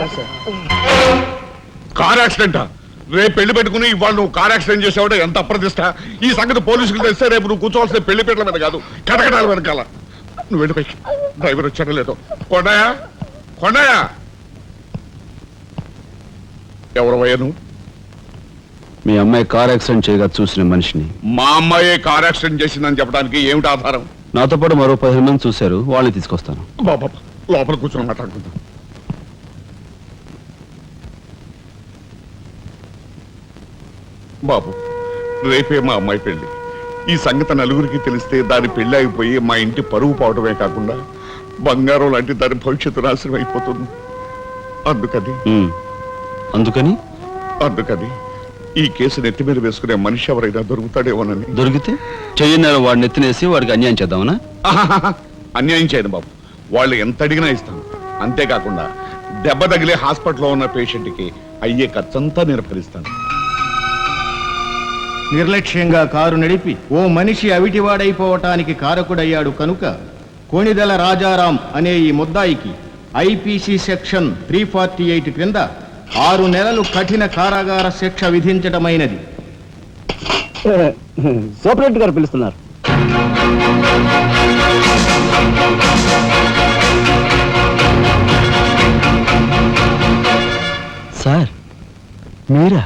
కాదు sir. Car యాక్సిడెంటా? రేపు పెళ్లి పెట్టుకుని ఇవాళ నువ్వు కార్ యాక్సిడెంట్ చేసావు, ఎంత అప్రదిష్ట. ఈ సంగతి పోలీసులు తెస్తే రేపు నువ్వు కూర్చోవాల్సిన పెళ్లి పీటల మీద కాదు, కటకటాల వెనకాల. నువ్వు వెళ్ళిపోయి. డ్రైవర్ వచ్చాడో లేదో. కొండయా, కొండయా, ఎవరవయ్యా నువ్వు? మీ అమ్మాయి కార్ యాక్సిడెంట్ చేయగా చూసిన మనిషిని. మా అమ్మాయి కార్ యాక్సిడెంట్ చేసిందని చెప్పడానికి ఏమిటి ఆధారం? నాతో పాటు మరో 15 మంది చూశారు, వాళ్ళని తీసుకొస్తాను. బాబా లోపల కూర్చొని మాట్లాడుకుందాం. బాబు, రేపే మా అమ్మాయి పెళ్లి. ఈ సంగతి నలుగురికి తెలిస్తే దాని పెళ్లి అయిపోయి మా ఇంటి పరువు పోవడమే కాకుండా బంగారం లాంటి దాని భవిష్యత్తు నాశనం అయిపోతుంది. అందుకని ఈ కేసు నెత్తి మీద వేసుకునే మనిషి ఎవరైనా దొరుకుతాడేమోనని. దొరికితే చెయ్యన్నారు వాడిని ఎత్తినేసి వాడికి అన్యాయం చేద్దామనా? అన్యాయం చేయను బాబు, వాళ్ళు ఎంత అడిగినా ఇస్తాను. అంతేకాకుండా దెబ్బ తగిలే హాస్పిటల్లో ఉన్న పేషెంట్కి అయ్యే ఖర్చంతా నేను భరిస్తాను. నిర్లక్ష్యంగా కారు నడిపి ఓ మనిషి అవిటివాడైపోవటానికి కారకుడయ్యాడు కనుక కోణిదెల రాజారాం అనే ఈ ముద్దాయికి ఐపీసీ సెక్షన్ 348 క్రింద 6 నెలలు కఠిన కారాగార శిక్ష విధించటమైనది. సూపరింటెండెంట్ గారు పిలుస్తున్నారు. సార్ మీరా?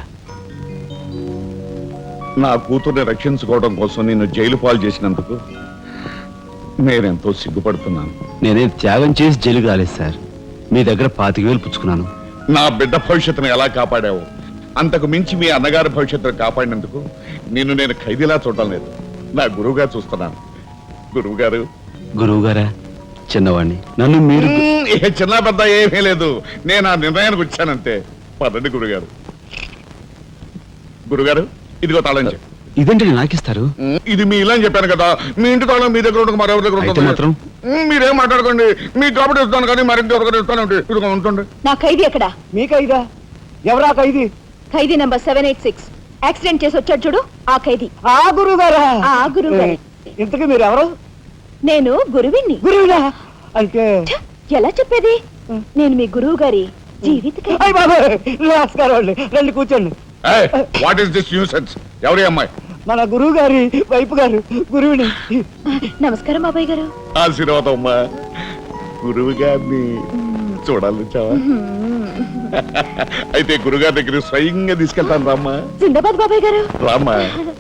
నా కూతుర్ని రక్షించుకోవడం కోసం నిన్ను జైలు పాలు చేసినందుకు నేనెంతో సిగ్గుపడుతున్నాను. నేనేం త్యాగం చేసి జైలుకి రాలేదు సార్, మీ దగ్గర 25,000 పుచ్చుకున్నాను. నా బిడ్డ భవిష్యత్తును ఎలా కాపాడావు, అంతకు మించి మీ అన్నగారి భవిష్యత్తును కాపాడినందుకు నిన్ను నేను ఖైదీలా చూడడం లేదు, నా గురువుగా చూస్తున్నాను. గురువుగారా? చిన్నవాణ్ణి, నన్ను మీరు. చిన్న పెద్ద ఏమీ లేదు, నేను ఆ నిర్ణయానికి వచ్చానంతే. పదండి గురుగారు. గురుగారు, ఇదిగో తాళం చెప్పు. ఇదేంటి నాకిస్తారు? ఇది మీ ఇలా అని చెప్పాను కదా, మీ ఇంటి తాళం మీ దగ్గర ఉండదు, మరెవరి దగ్గర ఉంటుంది. మాత్రం మీరేం మాట్లాడుకోండి, మీ కాబట్టి ఇస్తాను కానీ మరింటి ఎవరికైనా ఇస్తాను. ఇదిగో ఉంటుంది. నా ఖైదీ ఎక్కడ? మీ ఖైదా? ఎవరా ఖైదీ? ఖైదీ నంబర్ 786. యాక్సిడెంట్ చేసి వచ్చాడు చూడు, ఆ ఖైదీ. ఆ గురువు గారా? ఆ గురువు గారే. ఇంతకీ మీరు ఎవరు? నేను గురువిని. గురువునా అంటే? ఎలా చెప్పేది? నేను మీ గురువు గారి జీవిత నమస్కారం. రండి కూర్చోండి. What is this nuisance? ఎవరి అమ్మాయి? మన గురువు గారి వైపు గారు, గురువుని. నమస్కారం బాబాయ్ గారు. ఆశీర్వాదం అమ్మా. గురువు గారిని చూడాలి చావా? అయితే గురుగారి దగ్గర స్వయంగా తీసుకెళ్తాను రామ్మా. జిందాబాద్ బాబాయ్ గారు. రామ్మా.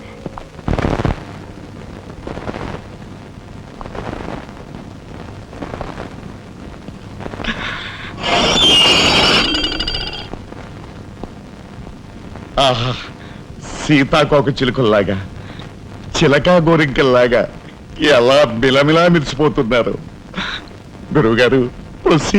ఆహా, సీతాకోక చిలుకల్లాగా, చిలకా గోరింకల్లాగా ఎలా మిలమిలా మిరిసిపోతున్నారు. గురువుగారు,